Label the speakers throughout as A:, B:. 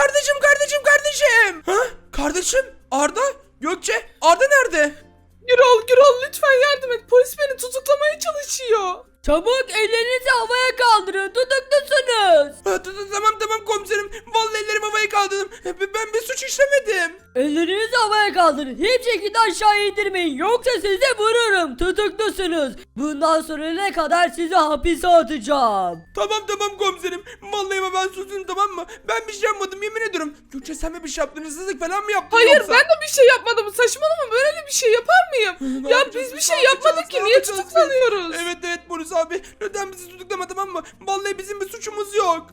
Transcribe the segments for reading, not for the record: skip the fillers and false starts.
A: Kardeşim. Ha? Kardeşim Arda, Gökçe, Arda nerede?
B: Gürol lütfen yardım et. Polis beni tutuklamaya çalışıyor.
C: Çabuk ellerinizi havaya kaldırın. Tutuklusunuz.
A: Tamam komiserim. Vallahi ellerimi havaya kaldırdım. Ben bir suç işlemedim.
C: Ellerinizi havaya kaldırın. Hiçbir şekilde aşağı indirmeyin. Yoksa size vururum. Tutuklusunuz. Bundan sonra ne kadar sizi hapise atacağım.
A: Tamam komiserim. Vallahi ama ben suçluyum, tamam mı? Ben bir şey yapmadım, yemin ediyorum. Gökçe sen mi bir şey yaptın? Hırsızlık falan mı yaptın
B: Hayır
A: yoksa?
B: ben de bir şey yapmadım. Saçmalama, böyle bir şey yapar mıyım?
A: Ne
B: Ya
A: yapacağız
B: biz bir
A: biz,
B: şey
A: ne
B: yapmadık
A: yapacağız,
B: ki.
A: ne
B: Niye
A: yapacağız biz?
B: tutuklanıyoruz?
A: Evet polis abi. Lütfen bizi tutuklama, tamam mı? Vallahi bizim bir suçumuz yok.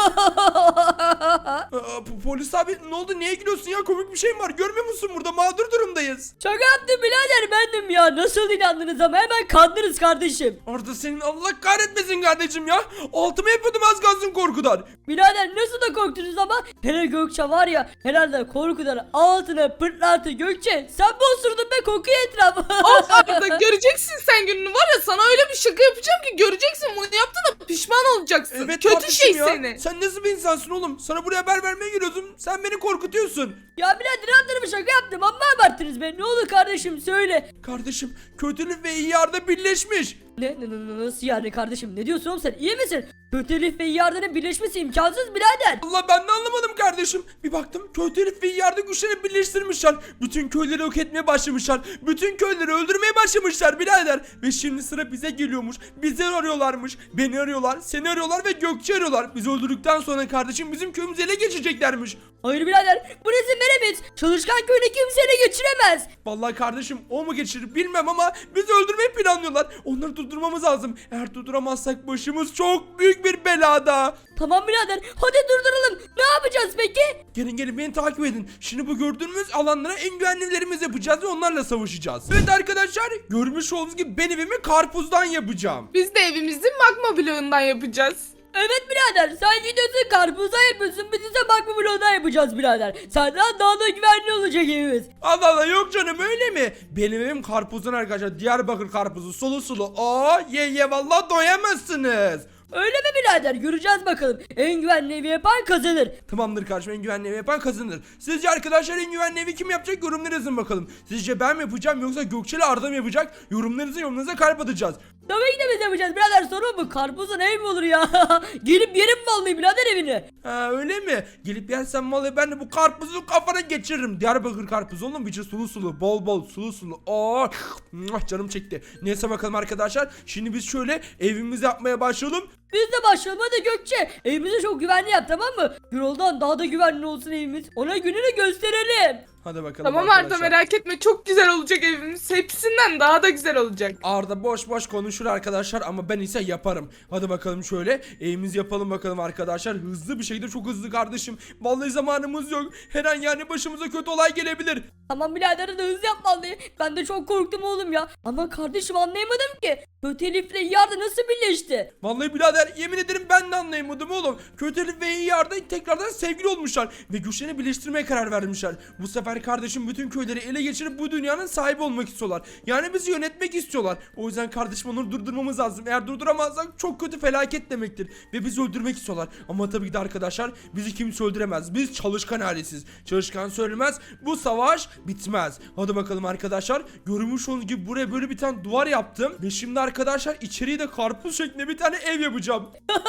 A: Polis abi ne oldu? Niye gülüyorsun ya? Komik bir şey mi var? Görmüyor musun, burada mağdur durumdayız.
C: Şaka yaptım birader, bendim ya. Nasıl inandınız ama hemen kandınız kardeşim.
A: Arda senin Allah kahretmesin kardeşim ya. Altıma yapıyordum az kalsın korkudan.
C: Birader nasıl da korktunuz ama. Hele Gökçe var ya, herhalde korkudan altına pırtlattı. Gökçe sen bozdurdun be kokuyu etrafı.
B: Of Arda, göreceksin sen gününü, var ya sana öyle bir şaka yapacağım ki göreceksin, bunu yaptığına pişman olacaksın.
A: Evet
B: Kötü
A: kardeşim
B: şey
A: ya.
B: seni.
A: Sen nasıl bir insansın oğlum? Sana buraya haber vermeye geliyorsun. Sen beni korkutuyorsun.
C: Ya birader anlarım, şaka yaptım ama abarttınız be. Ne olur kardeşim söyle.
A: Kardeşim kötülük ve iyi yarda birleşmiş.
C: Nasıl yani kardeşim, ne diyorsun oğlum sen, iyi misin? Kötülük ve iyi yardının birleşmesi imkansız birader.
A: Allah, ben de anlamadım kardeşim. Bir baktım kötü herif ve iyi yardı güçlerini birleştirmişler. Bütün köyleri yok etmeye başlamışlar. Bütün köyleri öldürmeye başlamışlar birader. Ve şimdi sıra bize geliyormuş. Bizi arıyorlarmış. Beni arıyorlar, seni arıyorlar ve Gökçe arıyorlar. Bizi öldürdükten sonra kardeşim bizim köyümüzü ele geçireceklermiş.
C: Hayır birader, bu izin veremeyiz. Çalışkan köyüne kimse ele geçiremez.
A: Vallahi kardeşim o mu geçirir bilmem ama bizi öldürmeyi planlıyorlar. Onları durdurmamız lazım. Eğer durduramazsak başımız çok büyük bir belada.
C: Tamam birader, hadi durduralım. Ne yapacağız peki?
A: Gelin beni takip edin. Şimdi bu gördüğünüz alanlara en güvenlilerimizi yapacağız ve onlarla savaşacağız. Evet arkadaşlar, görmüş olduğunuz gibi ben evimi karpuzdan yapacağım.
B: Biz de evimizi magma bloğundan yapacağız.
C: Evet birader, sen gidiyorsun karpuza yapıyorsun, biz ise bakma bloğundan yapacağız birader. Senden daha da güvenli olacak evimiz.
A: Allah yok canım, öyle mi? Benim evim karpuzdan arkadaşlar. Diyarbakır karpuzu, sulu. Ye vallahi doyamazsınız.
C: Öyle mi birader? Göreceğiz bakalım. En güvenli evi yapan kazanır.
A: Tamamdır kardeşim, en güvenli evi yapan kazanır. Sizce arkadaşlar en güvenli evi kim yapacak? Yorumlara yazın bakalım. Sizce ben mi yapacağım yoksa Gökçe ile Arda mı yapacak? Yorumlarınıza kalp atacağız.
C: Tabii ki de biz yapacağız birader, sorun mu? Karpuzun ev mi olur ya? Gelip yerim vallahi birader evini.
A: Ha öyle mi? Gelip yersen vallahi ben de bu karpuzu kafana geçiririm. Diyarbakır karpuzu oğlum, içi sulu bol sulu. Canım çekti. Neyse bakalım arkadaşlar. Şimdi biz şöyle evimizi yapmaya başlayalım.
C: Biz de başlayalım hadi Gökçe. Evimizi çok güvenli yap, tamam mı? Yoldan daha da güvenli olsun evimiz. Ona gününü gösterelim.
A: Hadi bakalım
B: Tamam
A: arkadaşlar.
B: Arda, merak etme, çok güzel olacak evimiz. Hepsinden daha da güzel olacak.
A: Arda boş konuşur arkadaşlar ama ben ise yaparım. Hadi bakalım şöyle evimizi yapalım bakalım arkadaşlar. Hızlı bir şekilde, çok hızlı kardeşim. Vallahi zamanımız yok. Her an yani başımıza kötü olay gelebilir.
C: Tamam birader de hızlı yapmalı. Ben de çok korktum oğlum ya. Ama kardeşim anlayamadım ki. Kötü Elif'le yardı nasıl birleşti?
A: Vallahi birader yemin ederim ben de anlayamadım oğlum. Kötü Elif ve iyi yarda tekrardan sevgili olmuşlar. Ve güçlerini birleştirmeye karar vermişler. Bu sefer kardeşim bütün köyleri ele geçirip bu dünyanın sahibi olmak istiyorlar. Yani bizi yönetmek istiyorlar. O yüzden kardeşim onları durdurmamız lazım. Eğer durduramazsak çok kötü felaket demektir. Ve bizi öldürmek istiyorlar. Ama tabii ki de arkadaşlar bizi kimse öldüremez. Biz çalışkan ailesiz. Çalışkan söylemez. Bu savaş bitmez. Hadi bakalım arkadaşlar. Görmüş olduğunuz gibi buraya böyle bir tane duvar yaptım. Ve şimdi arkadaşlar içeriye de karpuz şeklinde bir tane ev yapacağım.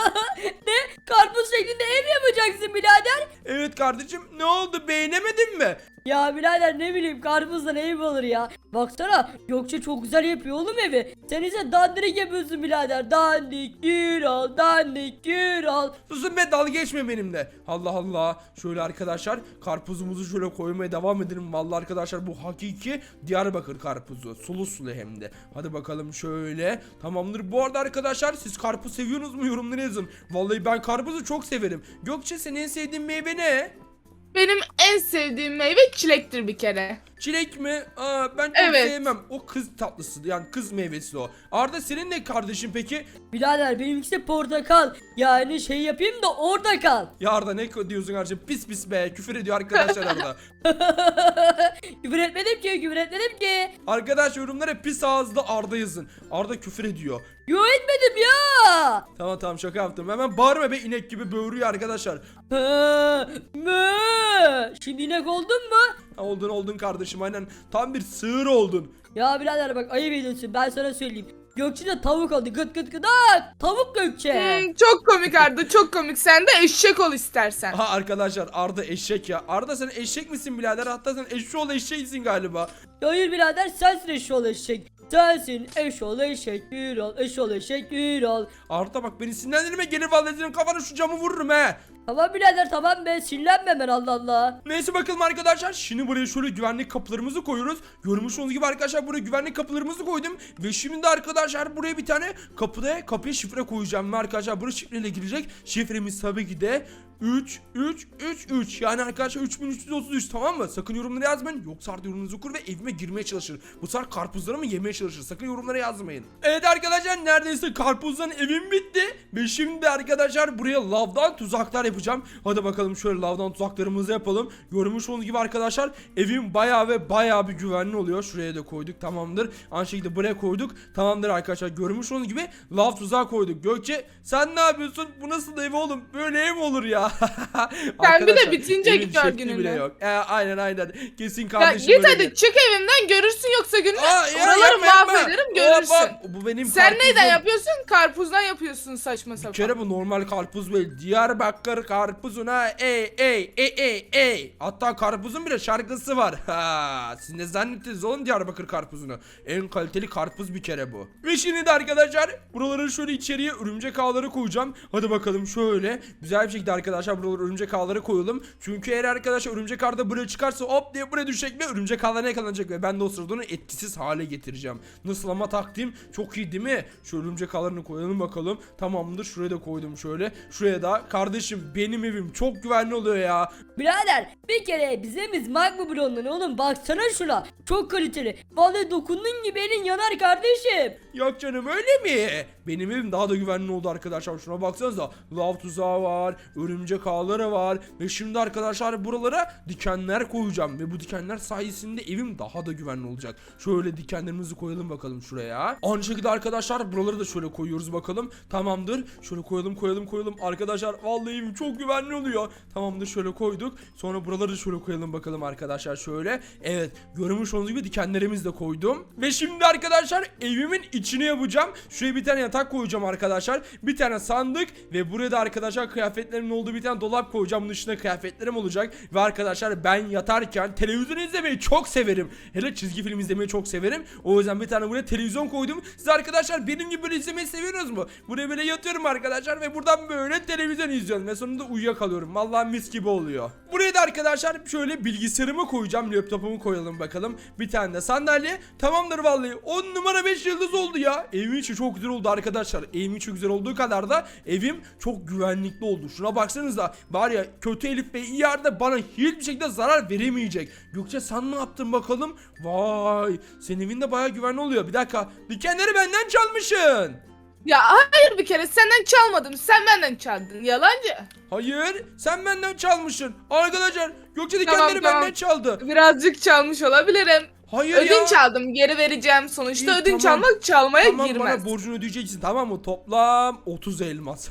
C: Ne? Karpuz şeklinde ev yapacaksın birader?
A: Evet kardeşim, ne oldu, beğenemedin mi?
C: Ya birader ne bileyim, karpuzdan ev mi olur ya? Baksana Gökçe çok güzel yapıyor oğlum evi. Sen ise dandirik yapıyorsun birader. Dandik Gürol, dandik Gürol.
A: Susun be, dalga geçme benimle. Allah Allah. Şöyle arkadaşlar karpuzumuzu şöyle koymaya devam edelim. Vallahi arkadaşlar bu hakiki Diyarbakır karpuzu. Sulu hem de. Hadi bakalım şöyle. Tamamdır. Bu arada arkadaşlar siz karpuz seviyorsunuz mu? Yorumlara yazın. Vallahi ben karpuzu çok severim. Gökçe, senin en sevdiğin meyve ne?
B: Benim en sevdiğim meyve çilektir bir kere.
A: Çilek mi? Ben çok
B: Evet.
A: sevmem. O kız tatlısı, yani kız meyvesi o. Arda senin ne kardeşim peki?
C: Birader benimkisi portakal. Yani şey yapayım da orada kal.
A: Ya Arda ne diyorsun kardeşim? Pis be, küfür ediyor arkadaşlar Arda.
C: Küfür etmedim ki.
A: Arkadaş yorumlara pis ağızlı Arda yazın. Arda küfür ediyor.
C: Yo etmedim ya.
A: Tamam şaka yaptım. Hemen bağırma be, inek gibi böğürüyor arkadaşlar.
C: Mö. Şimdi inek oldun mu?
A: Oldun kardeşim, aynen. Tam bir sığır oldun.
C: Ya birader bak ayıp ediyorsun, ben sana söyleyeyim. Gökçe de tavuk oldu, gıt gıt gıdak. Tavuk Gökçe.
B: Çok komik Arda, çok komik. Sen de eşek ol istersen.
A: Aha arkadaşlar, Arda eşek ya. Arda sen eşek misin birader? Hatta sen eşşoğlu eşeğisin galiba.
C: Hayır birader, sensin eşoğlu eşek. Sensin eşoğlu eşek, yürü ol, eşoğlu eşek, yürü ol.
A: Arda bak, beni sinirlendirme, gelir vallahi senin kafana şu camı vururum he.
C: Tamam birader, tamam be, sinirlenme ben, Allah Allah.
A: Neyse bakalım arkadaşlar, şimdi buraya şöyle güvenlik kapılarımızı koyuyoruz. Görmüş olduğunuz gibi arkadaşlar, buraya güvenlik kapılarımızı koydum. Ve şimdi de arkadaşlar buraya bir tane kapıya şifre koyacağım. Ve arkadaşlar buraya şifreyle girecek. Şifremiz tabii ki de 3333, yani arkadaşlar 3333, tamam mı? Sakın yorumlara yazmayın, yoksa Arda yorumunuzu okur ve evime girmeye çalışır. Bu sefer karpuzlarımı yemeye çalışır. Sakın yorumlara yazmayın. Evet arkadaşlar, neredeyse karpuzdan evim bitti. Ve şimdi arkadaşlar buraya lavdan tuzaklar yapacağım. Hadi bakalım, şöyle lavdan tuzaklarımızı yapalım. Görmüş olduğunuz gibi arkadaşlar, evim bayağı bir güvenli oluyor. Şuraya da koyduk, tamamdır. Aynı şekilde buraya koyduk, tamamdır arkadaşlar. Görmüş olduğunuz gibi lav tuzağı koyduk. Gökçe, sen ne yapıyorsun? Bu nasıl ev oğlum? Böyle ev mi olur ya?
B: Sen bir de bitince
A: evin
B: git gör
A: şekli
B: gününü.
A: bile yok. Aynen. Kesin
B: Ya
A: kardeşim
B: git
A: öyle
B: hadi
A: der.
B: çık evimden, görürsün yoksa gününü.
A: Ya
B: Oraları
A: yapma.
B: mahvederim, görürsün.
A: Hop, bu benim
B: Sen
A: karpuzum.
B: neyden yapıyorsun? Karpuzdan yapıyorsun, saçma
A: Bir
B: sapan.
A: kere bu normal karpuz değil. Diyarbakır karpuzuna ey. Hatta karpuzun bile şarkısı var. Ha, siz ne zannettiniz oğlum Diyarbakır karpuzunu? En kaliteli karpuz bir kere bu. Ve şimdi de arkadaşlar buraları şöyle içeriye örümcek ağları koyacağım. Hadi bakalım, şöyle güzel bir şekilde arkadaşlar buraları örümcek ağları koyalım. Çünkü eğer arkadaşlar örümcek ağ da buraya çıkarsa hop diye buraya düşecek ve örümcek ağlarına yakalanacak ve ben de o sırada onu etkisiz hale getireceğim. Nasıl ama, taktiğim çok iyi değil mi? Şu örümcek ağlarını koyalım bakalım. Tamamdır, şuraya da koydum şöyle. Şuraya da, kardeşim benim evim çok güvenli oluyor ya.
C: Birader bir kere bizemiz magma blondan oğlum, baksana şuna. Çok kaliteli. Vallahi dokunduğun gibi elin yanar kardeşim.
A: Yok canım, öyle mi? Benim evim daha da güvenli oldu arkadaşlar. Şuna baksanıza, lav tuzağı var, örümcek ağları var ve şimdi arkadaşlar buralara dikenler koyacağım ve bu dikenler sayesinde evim daha da güvenli olacak. Şöyle dikenlerimizi koyalım bakalım şuraya. Aynı şekilde arkadaşlar buraları da şöyle koyuyoruz bakalım. Tamamdır. Şöyle koyalım. Arkadaşlar vallahi evim çok güvenli oluyor. Tamamdır, şöyle koyduk. Sonra buraları da şöyle koyalım bakalım arkadaşlar, şöyle. Evet, görmüş olduğunuz gibi dikenlerimizi de koydum. Ve şimdi arkadaşlar evimin içine yapacağım. Şuraya bir tane yatak koyacağım arkadaşlar. Bir tane sandık ve buraya da arkadaşlar kıyafetlerimin olduğu bir tane dolap koyacağım. Bunun içinde kıyafetlerim olacak. Ve arkadaşlar ben yatarken televizyon izlemeyi çok severim. Hele çizgi film izlemeyi çok severim. O yüzden bir tane buraya televizyon koydum. Siz arkadaşlar benim gibi böyle izlemeyi seviyorsunuz mu? Buraya böyle yatıyorum arkadaşlar ve buradan böyle televizyon izliyorum. Ve sonunda uyuyakalıyorum. Vallahi mis gibi oluyor. Buraya da arkadaşlar şöyle bilgisayarımı koyacağım. Laptopumu koyalım bakalım. Bir tane de sandalye. Tamamdır vallahi. 10 numara 5 yıldız oldu ya. Evim içi çok güzel oldu arkadaşlar. Evim içi güzel olduğu kadar da evim çok güvenlikli oldu. Şuna baksanıza. Var ya, kötü Elif Bey iyi yerde bana hiçbir şekilde zarar veremeyecek. Gökçe, sen ne yaptın bakalım? Vay, senin evin de bayağı güvenli oluyor. Bir dakika. Dikenleri benden çalmışsın.
B: Ya hayır, bir kere senden çalmadım, sen benden çaldın, yalancı.
A: Hayır, sen benden çalmışsın. Arkadaşlar, Gökçe dikenleri
B: Tamam.
A: benden çaldı.
B: Birazcık çalmış olabilirim.
A: Hayır ya.
B: Ödünç aldım, geri vereceğim. Sonuçta
A: İyi,
B: ödünç
A: tamam.
B: almak çalmaya
A: Tamam,
B: girmez.
A: bana borcunu ödeyeceksin, tamam mı? Toplam 30 elmas.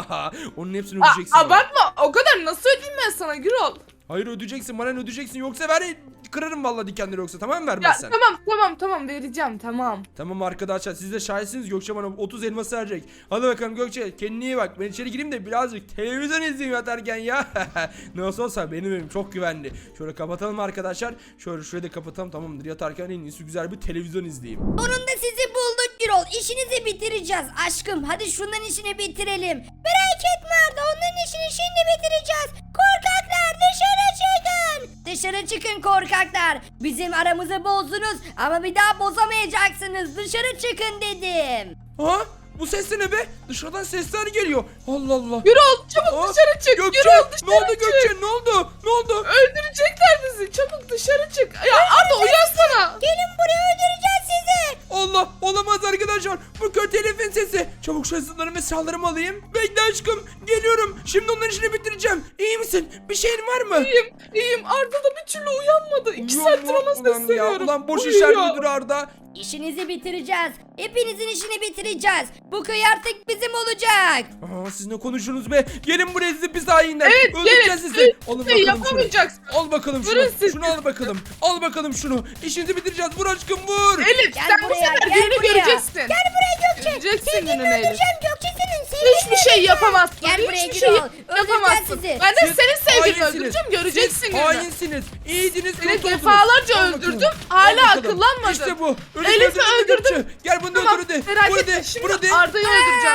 A: Onun hepsini ödeyeceksin. bana.
B: Abartma, o kadar nasıl ödeyeyim ben sana Gürol?
A: Hayır, ödeyeceksin, bana ödeyeceksin, yoksa ver, kırarım vallahi dikenleri yoksa, tamam mı,
B: Ya
A: vermezsen?
B: tamam vereceğim, tamam.
A: Tamam arkadaşlar, siz de şahitsiniz, Gökçe bana 30 elması verecek. Hadi bakalım Gökçe, kendine iyi bak. Ben içeri gireyim de birazcık televizyon izleyeyim yatarken ya. Nasıl olsa benim evim çok güvenli. Şöyle kapatalım arkadaşlar. Şöyle şurayı da kapatalım, tamamdır. Yatarken en iyisi güzel bir televizyon izleyeyim.
D: Sonunda sizi bulduk Gürol. İşinizi bitireceğiz aşkım. Hadi şundan işini bitirelim. Merak etme Arda, onların işini şimdi bitireceğiz. Korkaklar, dışarı çıkın. Dışarı çıkın korkaklar. Bizim aramızı bozdunuz ama bir daha bozamayacaksınız. Dışarı çıkın dedim.
A: Ha? Bu ses de ne be? Dışarıdan sesler geliyor. Allah Allah.
B: Gürol çabuk
A: Aa,
B: dışarı çık.
A: Gökçe,
B: Gürol dışarı
A: ne oldu
B: çık.
A: Gökçe? Ne oldu? Ne oldu?
B: Öldürecekler bizi. Çabuk dışarı çık. Ya Arda, uyansana.
D: Gelin buraya, öldüreceğiz sizi.
A: Allah, olamaz arkadaşlar. Bu kötü Elif'in sesi. Çabuk şu hızlılarımı ve silahlarımı alayım. Bekle aşkım. Geliyorum. Şimdi onların işini bitireceğim. iyi misin? Bir şeyin var mı?
B: İyiyim. Arda da bir türlü uyanmadı. 2
A: Yok
B: saattir
A: mu?
B: ona
A: Ulan ya,
B: sesleniyorum.
A: ulan boş
B: Uyuyor.
A: işler müdür Arda.
D: İşinizi bitireceğiz. Hepinizin işini bitireceğiz. Bu köy artık bizim olacak.
A: Aa, siz ne konuşuyorsunuz be? Gelin buraya sizi pis hainler.
B: Evet,
A: Öldüreceğiz
B: gelin.
A: sizi. Alın
B: Şey
A: bakalım şunu.
B: yapamayacaksın.
A: Al bakalım şunu.
B: Vurun siz.
A: Şunu al bakalım. Al bakalım şunu. İşinizi bitireceğiz. Vur aşkım vur.
B: Elif
D: Gel
B: sen bu
D: buraya,
B: sefer
D: gel
B: gününü
D: buraya.
B: göreceksin.
D: Gel buraya Gökçe.
B: Göreceksin
D: Seni
B: gününü Elif.
D: öldüreceğim Gökçe senin. Seni
B: Hiçbir şey yapamazsın.
D: Gel buraya
B: Hiçbir şey
D: Gürol. Öldüreceğiz
B: yapamazsın.
D: sizi.
B: Ben de
A: Siz
B: senin sevgilini
A: hainsiniz.
B: öldüreceğim. Göreceksin
A: Siz
B: gününü.
A: hainsiniz. İyiydiniz.
B: Seni
A: kötü oldunuz.
B: defalarca
A: Al bakalım.
B: öldürdüm.
A: Al
B: Hala
A: bakalım.
B: akıllanmadın.
A: İşte bu.
B: Elif'i öldürdüm.
A: Gökçe. Gel bunu da
B: Tamam
A: öldür hadi.
B: merak
A: Vur
B: etme.
A: hadi.
B: Şimdi
A: Vur hadi.
B: Arda'yı öldüreceğim.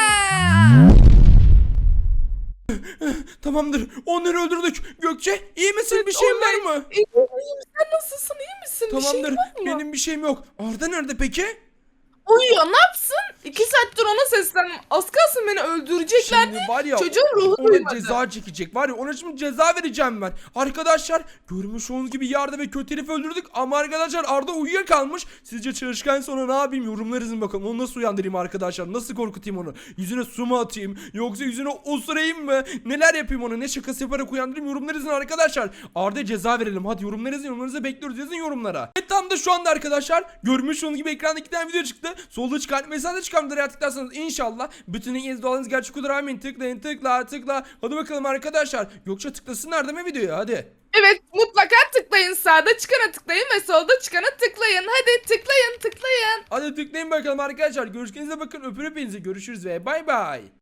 A: Tamamdır. Onları öldürdük. Gökçe iyi misin? Bir şeyin var mı?
B: İyiyim. Sen nasılsın? İyi misin? Bir
A: Tamamdır.
B: şey var mı?
A: Benim bir şeyim yok. Arda nerede peki?
B: Uyuyor. Ne yapsın? 2 saattir ona seslendim. Az kalsın beni öldüreceklerdi.
A: Şimdi var ya
B: Çocuğun ruhu
A: ona
B: duymadı.
A: ceza çekecek. Var ya ona şimdi ceza vereceğim ben. Arkadaşlar görmüş olduğunuz gibi Yarda ve kötü herifi öldürdük. Ama arkadaşlar Arda uyuyakalmış. Sizce çalışkan sonra ne yapayım? Yorumlar yazın bakalım. Onu nasıl uyandırayım arkadaşlar? Nasıl korkutayım onu? Yüzüne su mu atayım? Yoksa yüzüne osurayım mı? Neler yapayım ona? Ne şakası yaparak uyandırayım? Yorumlar yazın arkadaşlar. Arda'ya ceza verelim. Hadi yorumlar yazın. Yorumlarınızı bekliyoruz. Yazın yorumlara. Evet tam da şu anda arkadaşlar görmüş olduğunuz gibi ekranda 2 tane video çıktı. Solda çıkan mesajda çıkan videoları tıklarsanız inşallah bütün ilginiz doğalınız gerçek olur. Amin. Tıklayın tıkla. Hadi bakalım arkadaşlar. Yoksa tıklasınlar değil mi videoya? Hadi.
B: Evet mutlaka tıklayın. Sağda çıkana tıklayın ve solda çıkana tıklayın. Hadi tıklayın.
A: Hadi tıklayın bakalım arkadaşlar. Görüşürüze bakın. Öpür hepinizi. Görüşürüz ve bay bay.